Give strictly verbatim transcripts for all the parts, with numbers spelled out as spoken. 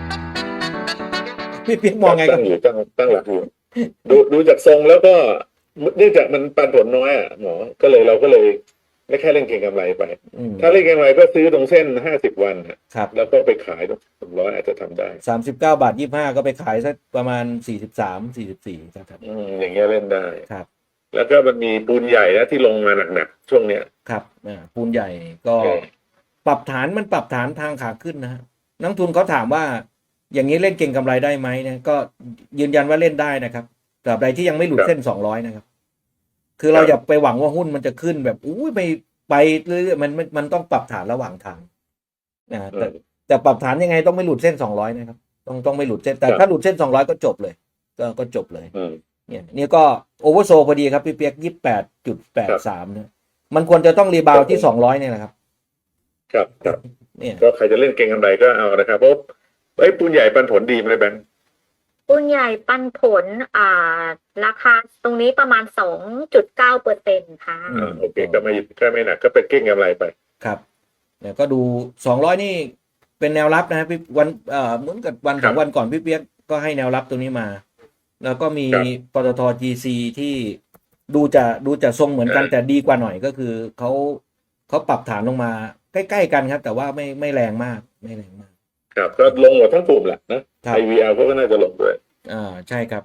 พี่เปียกมองไงครัตั้บงอยู่ตั้งตั้งหลักอยู่ดูดูจากทรงแล้วก็เนื่องจากมันปันผลน้อยอ่ะหมอก็เลยเราก็เลยไม่แค่เล่นเก็งกำไรไปอืมถ้าเล่นเก็งกำไรก็ซื้อตรงเส้นห้าสิบวันอะครับแล้วก็ไปขายตรงสองร้อยอาจจะทำได้สามสิบเก้าบาทยี่ห้าก็ไปขายสักประมาณสี่สิบสามสี่สิบสี่ครับอืมอย่างเงี้ยเล่นได้ครับแล้วก็มันมีปูนใหญ่นะที่ลงมาหนักๆช่วงเนี้ยครับอ่าปูนใหญ่ก็เออปรับฐานมันปรับฐานทางขาขึ้นนะฮะนักทุนเขาถามว่าอย่างนี้เล่นเก่งกำไรได้ไหมเนี่ยก็ยืนยันว่าเล่นได้นะครับตราบใดที่ยังไม่หลุดเส้นสองร้อยนะครับคือเราอย่าไปหวังว่าหุ้นมันจะขึ้นแบบอู้ไปไปเรื่อยๆมันมันมันต้องปรับฐานระหว่างทางนะแต่แต่ปรับฐานยังไงต้องไม่หลุดเส้นสองร้อยนะครับต้องต้องไม่หลุดเส้นแต่ถ้าหลุดเส้นสองร้อยก็จบเลยก็ก็จบเลยเนี่ยเนี่ยก็โอเวอร์โซพอดีครับพี่เปียกยี่สิบแปดจุดแปดสามเนี่ยมันควรจะต้องรีบาวที่สองร้อยเนี่ยแหละครับครับครับเนี่ยก็ใครจะเล่นเก็งกำไรก็เอานะครับเพราะไอ้ปูนใหญ่ปันผลดีไหมแบงค์หุ้นใหญ่ปันผลอ่าราคาตรงนี้ประมาณสองจุดเก้าเปอร์เซ็นต์ค่ะอ่าโอเคก็ไม่ก็ไม่หนักก็เป็นเก็งกำไรไปครับเนี่ยก็ดูสองร้อยนี่เป็นแนวรับนะพี่วันเอ่อเหมือนกับวันสองวันก่อนพี่เปียกก็ให้แนวรับตรงนี้มา แล้วก็มีปตท จี ซี ที่ดูจะดูจะทรงเหมือนกันแต่ดีกว่าหน่อยก็คือเขาเขาปรับฐานลงมาใกล้ๆกันครับแต่ว่าไม่ไม่แรงมากไม่แรงมากครับก็ลงหมดทั้งกลุ่มแหละนะไอวีอาร์ก็น่าจะลงด้วยอ่าใช่ครับ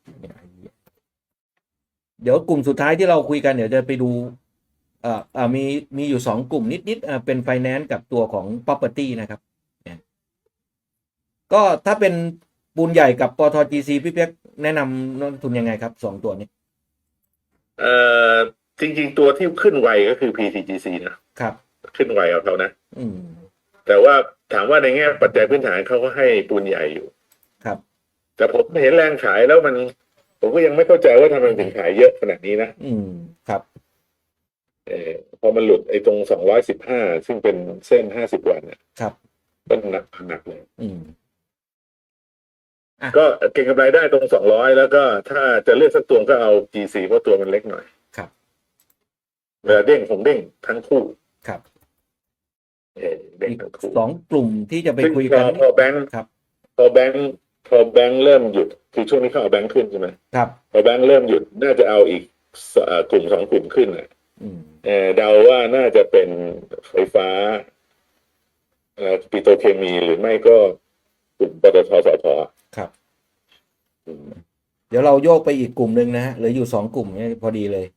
เดี๋ยวกลุ่มสุดท้ายที่เราคุยกันเดี๋ยวจะไปดูเอ่ออ่ามีมีอยู่สองกลุ่มนิดๆอ่าเป็นไฟแนนซ์กับตัวของ property นะครับก็ถ้าเป็นปูนใหญ่กับปตท จี ซี พี่เปียกแนะนำนักทุนยังไงครับสองตัวนี้เอ่อจริงๆตัวที่ขึ้นไวก็คือ พี ที จี ซี นะครับขึ้นไวเอาเขานะอืมแต่ว่าถามว่าในแง่ปัจจัยพื้นฐานเขาก็ให้ปูนใหญ่อยู่ครับแต่ผมเห็นแรงขายแล้วมันผมก็ยังไม่เข้าใจว่าทำไมถึงขายเยอะขนาดนี้นะอืมครับเออพอมันหลุดไอ้ตรงสองร้อยสิบห้าซึ่งเป็นเส้นห้าสิบวันเนี่ยครับก็หนักหนักเลยอืมก็เก็งกำไรได้ตรงสองร้อยแล้วก็ถ้าจะเลือกสักตัวก็เอา จี ซี เพราะตัวมันเล็กหน่อยครับเวลาเด้งผมเด้งทั้งคู่ครับเออเด้งทั้งคู่สองกลุ่มที่จะไปคุยกันพอแบงค์ครับพอแบงค์พอแบงค์เริ่มหยุดคือช่วงนี้เขาเอาแบงค์ขึ้นใช่ไหมครับพอแบงค์เริ่มหยุดน่าจะเอาอีกกลุ่มสองกลุ่มขึ้นอ่ะเออเดาว่าน่าจะเป็นไฟฟ้าเอ่อปิโตรเคมีหรือไม่ก็กลุ่มปตทสผครับเดี๋ยวเราโยกไปอีกกลุ่มหนึ่งนะฮะเหลืออยู่สองกลุ่มเนี่ยพอดีเลย